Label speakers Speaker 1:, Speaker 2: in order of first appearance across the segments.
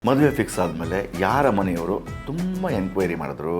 Speaker 1: ಮದುವೆ ಫಿಕ್ಸ್ ಆದಮೇಲೆ ಯಾರ ಮನೆಯವರು ತುಂಬ ಎನ್ಕ್ವೈರಿ ಮಾಡಿದ್ರು?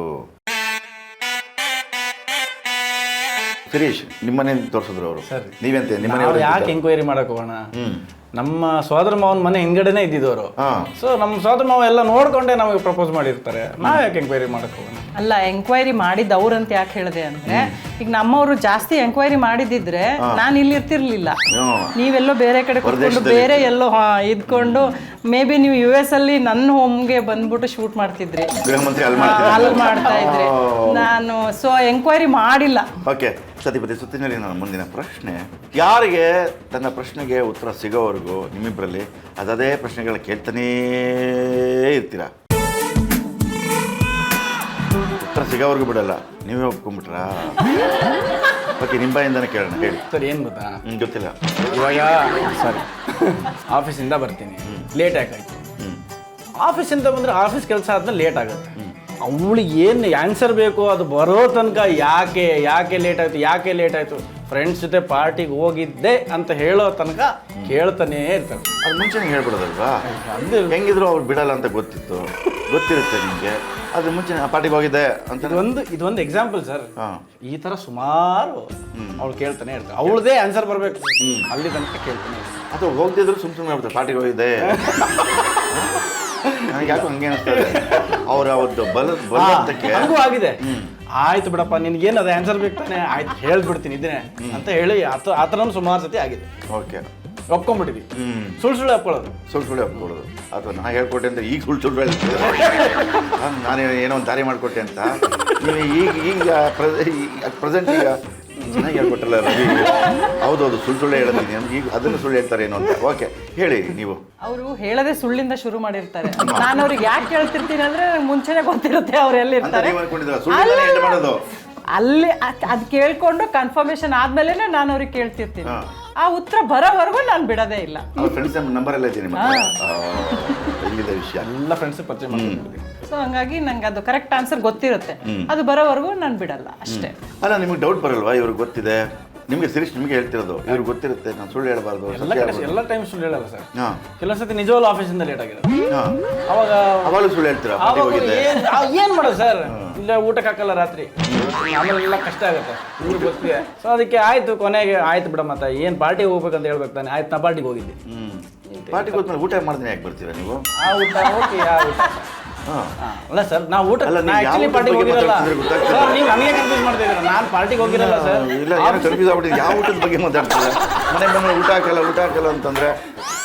Speaker 1: ಸುರೇಶ್ ನಿಮ್ಮನೆ ತೋರಿಸಿದ್ರು ಅವರು. ನೀವೆಂತ ನಿಮ್ಮ
Speaker 2: ಯಾಕೆ ಎಂಕ್ವೈರಿ ಮಾಡಕ್ ಹೋಗೋಣ? ನಮ್ಮ ಸೋದರ ಮಾವನ ಮನೆ ಹಿಂದ್ಗಡೆನೆ ಇದ್ದಿದ್ದವರು. ಸೊ ನಮ್ಮ ಸೋದರ ಮಾವ ಎಲ್ಲ ನೋಡ್ಕೊಂಡೆ ನಮಗೆ ಪ್ರಪೋಸ್ ಮಾಡಿರ್ತಾರೆ. ನಾವ್ ಯಾಕೆ ಎಂಕ್ವೈರಿ ಮಾಡಕ್ ಹೋಗೋಣ?
Speaker 3: ಅಲ್ಲ, ಎಂಕ್ವೈರಿ ಮಾಡಿದ್ದು ಅವ್ರಂತ ಯಾಕೆ ಹೇಳಿದೆ ಅಂದ್ರೆ, ಈಗ ನಮ್ಮವರು ಜಾಸ್ತಿ ಎಂಕ್ವೈರಿ ಮಾಡಿದಿದ್ರೆ ನಾನು ಇಲ್ಲಿ ಇರ್ತಿರ್ಲಿಲ್ಲ. ನೀವೆಲ್ಲೋ ಬೇರೆ ಕಡೆ ಕೂತ್ಕೊಂಡು ಬೇರೆ ಎಲ್ಲೋ ಇದ್ಕೊಂಡು ಮೇ ಬಿ ನೀವು US ಅಲ್ಲಿ ನನ್ನ ಹೋಮ್ಗೆ ಬಂದ್ಬಿಟ್ಟು ಶೂಟ್ ಮಾಡ್ತಿದ್ರಿ, ಅಲ್ಲಿ ಮಾಡ್ತಾ ಇದ್ರಿ. ನಾನು ಸೊ ಎಂಕ್ವೈರಿ ಮಾಡಿಲ್ಲ.
Speaker 1: ಓಕೆ, ಸತಿಪತಿ ಸುತ್ತಿನಲ್ಲಿ ನನ್ನ ಮುಂದಿನ ಪ್ರಶ್ನೆ, ಯಾರಿಗೆ ತನ್ನ ಪ್ರಶ್ನೆಗೆ ಉತ್ತರ ಸಿಗೋವರೆಗೂ ನಿಮ್ಮಿಬ್ಬರಲ್ಲಿ ಅದೇ ಪ್ರಶ್ನೆಗಳ ಕೇಳ್ತಾನೇ ಇರ್ತೀರಾ? ಉತ್ತರ ಸಿಗೋವರೆಗೂ ಬಿಡಲ್ಲ, ನೀವೇ ಒಪ್ಕೊಂಡ್ಬಿಟ್ರಾ? ಓಕೆ, ನಿಮ್ಮ ಬಾಯಿಂದನೇ ಕೇಳೋಣ, ಹೇಳಿ.
Speaker 2: ಸರ್ ಏನು ಗೊತ್ತಾ?
Speaker 1: ಗೊತ್ತಿಲ್ಲ.
Speaker 2: ಇವಾಗ ಸಾರಿ ಆಫೀಸಿಂದ ಬರ್ತೀನಿ, ಲೇಟ್ ಆಗಾಯ್ತು. ಆಫೀಸಿಂದ ಬಂದರೆ ಆಫೀಸ್ ಕೆಲಸ ಆದ್ಮೇಲೆ ಲೇಟ್ ಆಗುತ್ತೆ. ಅವಳಿಗೆ ಏನು ಆನ್ಸರ್ ಬೇಕು ಅದು ಬರೋ ತನಕ ಯಾಕೆ ಲೇಟ್ ಆಯಿತು ಫ್ರೆಂಡ್ಸ್ ಜೊತೆ ಪಾರ್ಟಿಗೆ ಹೋಗಿದ್ದೆ ಅಂತ ಹೇಳೋ ತನಕ ಕೇಳ್ತಾನೇ ಇರ್ತಾರೆ.
Speaker 1: ಅದು ಮುಂಚೆನೇ ಹೇಳ್ಬಿಡೋದಲ್ವಾ? ಅದು ಹೆಂಗಿದ್ರು ಅವ್ರು ಬಿಡಲ್ಲ ಅಂತ ಗೊತ್ತಿರುತ್ತೆ ನಿಮಗೆ. ಅದು ಮುಂಚೆ ಪಾರ್ಟಿಗೆ ಹೋಗಿದ್ದೆ ಅಂತ
Speaker 2: ಇದೊಂದು ಎಕ್ಸಾಂಪಲ್ ಸರ್. ಈ ಥರ ಸುಮಾರು ಅವಳು ಕೇಳ್ತಾನೆ ಇರ್ತಾರೆ. ಅವಳದೇ ಆನ್ಸರ್ ಬರಬೇಕು, ಅಲ್ಲಿ ತನಕ ಕೇಳ್ತಾನೆ.
Speaker 1: ಅಥವಾ ಹೋಗ್ತಿದ್ರು ಸುಮ್ಮನೆ ಆಗ್ಬಿಡ್ತಾರೆ, ಪಾರ್ಟಿಗೆ ಹೋಗಿದ್ದೆ. ನನಗೆ ಯಾಕೆ ಹಂಗೆ ಅನಿಸ್ತದೆ, ಅವ್ರ ಅವತ್ತು ಬಲಕ್ಕೆ
Speaker 2: ಹಂಗೂ ಆಗಿದೆ. ಆಯ್ತು ಬಿಡಪ್ಪ, ನಿನ್ಗೇನು ಅದು ಆನ್ಸರ್ ಬೇಕು ತಾನೆ, ಆಯ್ತು ಹೇಳ್ಬಿಡ್ತೀನಿ ಇದ್ದೇನೆ ಅಂತ ಹೇಳಿ ಆ ಥರನೂ ಸುಮಾರು ಸತಿ ಆಗಿದೆ.
Speaker 1: ಓಕೆ,
Speaker 2: ಒಪ್ಕೊಂಡ್ಬಿಟ್ಟಿದ್ವಿ. ಸುಳ್ಳು ಒಪ್ಕೊಳ್ಳೋದು ಅಥವಾ ನಾ ಹೇಳ್ಕೊಟ್ಟೆ ಅಂತ ಈಗ ಸುಳ್ಳು ಹೇಳ್ತೀವಿ.
Speaker 1: ನಾನು ಏನೋ ಒಂದು ದಾರಿ ಮಾಡಿಕೊಟ್ಟೆ ಅಂತ ನೀವು ಈಗ ಪ್ರೆಸೆಂಟ್ ಈಗ ಚೆನ್ನಾಗಿ ಹೇಳ್ಕೊಟ್ಟಲ್ಲ ರವಿ. ಹೌದೌದು, ಸುಳ್ಳು ಹೇಳ್ತೀನಿ, ಈಗ ಅದನ್ನು ಸುಳ್ಳು ಹೇಳ್ತಾರೆ ಏನೋ ಅಂತ. ಓಕೆ, ಹೇಳಿ ನೀವು.
Speaker 3: ಅವರು ಹೇಳದೆ ಸುಳ್ಳಿಂದ ಶುರು ಮಾಡಿರ್ತಾರೆ. ನಾನು ಅವ್ರಿಗೆ ಯಾಕೆ ಕೇಳ್ತಿರ್ತೀನಿ ಅಂದ್ರೆ ಮುಂಚೆನೆ ಗೊತ್ತಿರುತ್ತೆ ಅವ್ರು ಎಲ್ಲಿರ್ತಾರೆ. ಅಲ್ಲಿ ಅದು ಕೇಳ್ಕೊಂಡು ಕನ್ಫರ್ಮೇಶನ್ ಆದ್ಮೇಲೆ ನಾನು ಅವ್ರಿಗೆ ಕೇಳ್ತಿರ್ತೀನಿ. ಆ ಉತ್ತರ ಬರೋವರೆಗೂ ನಾನು ಬಿಡೋದೇ ಇಲ್ಲ.
Speaker 1: ಫ್ರೆಂಡ್ಸ್ ನಂಬರ್ ಎಲ್ಲ ಇದೆ ವಿಷಯ,
Speaker 2: ಎಲ್ಲ ಫ್ರೆಂಡ್ಸ್ ಪರಿಚಯ ಮಾಡ್ತೀನಿ.
Speaker 3: ಸೊ ಹಂಗಾಗಿ ನಂಗೆ ಅದು ಕರೆಕ್ಟ್ ಆನ್ಸರ್ ಗೊತ್ತಿರುತ್ತೆ, ಅದು ಬರೋವರೆಗೂ ನಾನು ಬಿಡಲ್ಲ ಅಷ್ಟೇ.
Speaker 1: ಅಲ್ಲ, ನಿಮ್ಗೆ ಡೌಟ್ ಬರಲ್ವಾ? ಇವ್ರಿಗೆ ಗೊತ್ತಿದೆ, ನಿಮಗೆ ಸಿರೀಶ್ ನಿಮಗೆ ಹೇಳ್ತಿರೋದು ಇವ್ರಿಗೆ ಗೊತ್ತಿರುತ್ತೆ, ನಾನು ಸುಳ್ಳು ಹೇಳಬಾರ್ದು.
Speaker 2: ಎಲ್ಲ ಟೈಮ್ ಸುಳ್ಳು ಹೇಳಲ್ಲ ಸರ್. ಕೆಲವೊಂದ್ಸತಿ ನಿಜವಾಗ್ಲೂ ಆಫೀಸಿಂದ ಲೇಟ್ ಆಗಿದೆ,
Speaker 1: ಅವಾಗ ಸುಳ್ಳು ಹೇಳ್ತೀರಾ?
Speaker 2: ಏನ್ ಮಾಡೋದು ಸರ್, ಇಲ್ಲ ಊಟಕ್ಕೆ ಹಾಕಲ್ಲ ರಾತ್ರಿ, ಆಮೇಲೆ ಎಲ್ಲ ಕಷ್ಟ ಆಗುತ್ತೆ, ಇವ್ರಿಗೆ ಗೊತ್ತಿದೆ. ಸೊ ಅದಕ್ಕೆ ಆಯ್ತು, ಕೊನೆಗೆ ಆಯ್ತು ಬಿಡ, ಮತ್ತೆ ಏನ್ ಪಾರ್ಟಿಗೆ ಹೋಗ್ಬೇಕಂತ ಹೇಳ್ಬೇಕು ತಾನೆ. ಆಯ್ತು, ನಾ ಪಾರ್ಟಿಗೆ ಹೋಗಿದ್ದೆ.
Speaker 1: ಪಾರ್ಟಿಗೆ ಹೋದ್ಮೇಲೆ ಊಟ ಮಾಡ್ತೀನಿ ಯಾಕೆ ಬರ್ತೀರಾ ನೀವು?
Speaker 2: ಆ ಊಟ ಓಕೆ, ಆ ಊಟ ಅಲ್ಲ ಸರ್, ನಾವು ಊಟ ಪಾರ್ಟಿಗೆ ಹೋಗಿರಲ್ಲ ಸರ್. ನೀವು ನನಗೆ ಕನ್ಫ್ಯೂಸ್ ಮಾಡ್ತಾ ಇದ್ದೀರಾ, ನಾನು ಪಾರ್ಟಿಗೆ ಹೋಗಿರಲ್ಲ ಸರ್.
Speaker 1: ಇಲ್ಲ, ಏನೋ ಕನ್ಫ್ಯೂಸ್ ಆಗ್ಬಿಟ್ಟಿದೆ. ಯಾವ ಊಟದ ಬಗ್ಗೆ ಮಾತಾಡ್ತೀರಾ? ಮನೆ ಬಂದ್ರೆ ಊಟ ಹಾಕಲ್ಲ ಅಂತಂದ್ರೆ